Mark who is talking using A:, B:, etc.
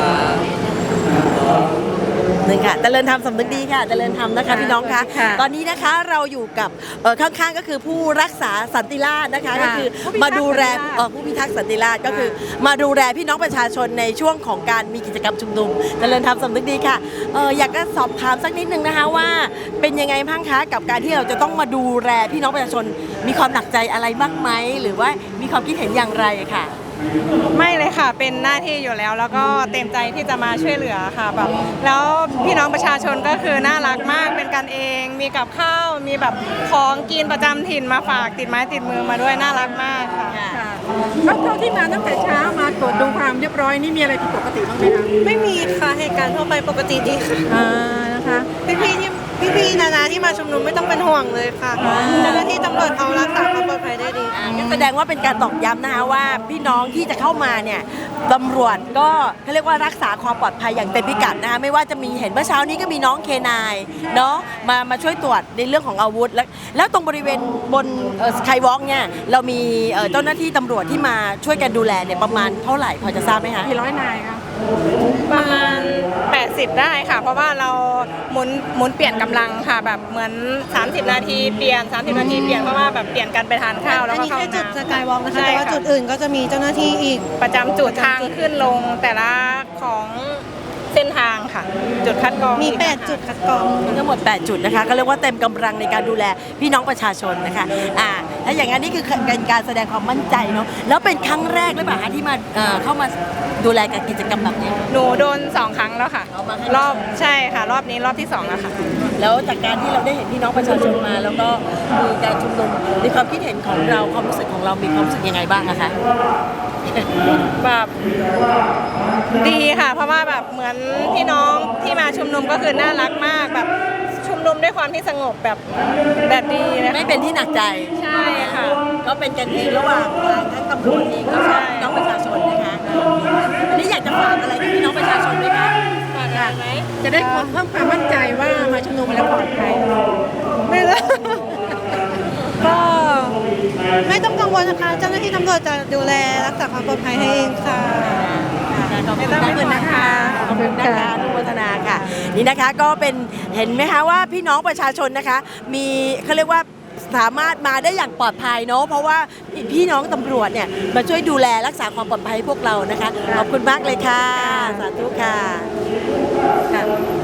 A: หนึ่งค่ะเจริญธรรมสำนึกดีค่ะเจริญธรรมนะคะพี่น้องคะตอนนี้นะคะเราอยู่กับข้างๆก็คือผู้รักษาสันติราษฎร์นะคะก็คือมาดูแลผู้พิทักษ์สันติราษฎร์ก็คือมาดูแลพี่น้องประชาชนในช่วงของการมีกิจกรรมชุมนุมเจริญธรรมสำนึกดีค่ะอยากจะสอบถามสักนิดนึงนะคะว่าเป็นยังไงบ้างคะกับการที่เราจะต้องมาดูแลพี่น้องประชาชนมีความหนักใจอะไรบ้างไหมหรือว่ามีความคิดเห็นอย่างไรค่ะ
B: ไม่เลยค่ะเป็นหน้าที่อยู่แล้วแล้วก็เต็มใจที่จะมาช่วยเหลือค่ะแบบแล้วพี่น้องประชาชนก็คือน่ารักมากเป็นกันเองมีกับข้าวมีแบบของกินประจำถิ่นมาฝากติดไม้ติดมือมาด้วยน่ารักมากค่ะ
C: เท่าที่มาตั้งแต่เช้ามาตรวจดูความเรียบร้อยนี่มีอะไรผิดปกติบ้างไหมคะ
B: ไม่มีค่ะเหตุการณ์ทั่วไปปกติดีค่ะ
C: นะคะ
B: พี่นาที่มาชุมนุมไม่ต้องเป็นห่วงเลยค่ะเจ้าหน้าที่ตำรวจเขารักษาความปลอดภัยได้ดี
A: แสดงว่าเป็นการตอกย้ำนะคะว่าพี่น้องที่จะเข้ามาเนี่ยตำรวจก็เขาเรียกว่ารักษาความปลอดภัยอย่างเต็มพิกัดนะคะไม่ว่าจะมีเห็นเมื่อเช้านี้ก็มีน้องเคนายเนาะมาช่วยตรวจในเรื่องของอาวุธแล้วตรงบริเวณบนสกายวอล์กเนี่ยเรามีเจ้าหน้าที่ตำรวจที่มาช่วยกันดูแลเนี่ยประมาณเท่าไหร่พอจะทราบไหมคะ
C: กี่ร้อยนายคะ
B: ประมาณ80ได้ค่ะเพราะว่าเราหมุนเปลี่ยนกำลังค่ะแบบเหมือน30นาทีเปลี่ยน30นาทีเปลี่ยนเพราะว่าแบบเปลี่ยนกันไปทานข้าวแล้วก็เข้าน้ำ
D: จุดสกายวอล์กนะคะแต่ว่าจุดอื่นก็จะมีเจ้าหน้าที่อีก
B: ประจำจุดทางขึ้นลงแต่ละของเส้นทางค่ะจุดคัดกรอง
D: มี8จุดคัดกรอง
A: ทั้งหมด8จุดนะคะก็เรียกว่าเต็มกำลังในการดูแลพี่น้องประชาชนนะคะถ้าอย่างนั้นนี่คือเป็นการแสดงความมั่นใจเนาะแล้วเป็นครั้งแรกหรือเปล่าคะที่มาเข้ามาดูแลกับกิจกรรมแบบนี้
B: หนูโดน2ครั้งแล้วค่ะรอบใช่ค่ะรอบนี้รอบที่2แล้วค่ะ
A: แล้วจากการที่เราได้เห็นพี่น้องประชาชนมาแล้วก็มีการชุมนุมในความคิดเห็นของเราความรู้สึกของเรามีความรู้สึกยังไงบ้างนะคะ
B: แบบดีค่ะเพราะว่าแบบเหมือนพี่น้องที่มาชุมนุมก็คือน่ารักมากแบบชุมนุมด้วยความที่สงบแบบดีนะ
A: ไม่เป็นที่หนักใจ
B: ใช่ค่ะ
A: ก็เป็นกันเองระหว่างทั้งตำรวจเองก็ใช่น้องประชาชนนะคะอันนี้อยากจะฝากอะไรกับพี่น้องประชาชนไหมคะ
B: ฝากอะไรไหม
C: จะได้เพิ่มความมั่นใจว่ามาชุมนุมแล้วปลอดภัย
B: ไม่ได้
D: ก็ไม่ต้องกังวลนะคะเจ้าหน้าที่ตำรวจจะดูแลรักษาความปลอดภัยให้เองค่ะ
A: ขอบคุณนะคะขอบคุณนะคะนุโมทนาค่ะนี่นะคะก็เป็นเห็นไหมคะว่าพี่น้องประชาชนนะคะมีเขาเรียกว่าสามารถมาได้อย่างปลอดภัยเนาะเพราะว่าพี่น้องตำรวจเนี่ยมาช่วยดูแลรักษาความปลอดภัยให้พวกเรานะคะขอบคุณมากเลยค่ะสาธุค่ะ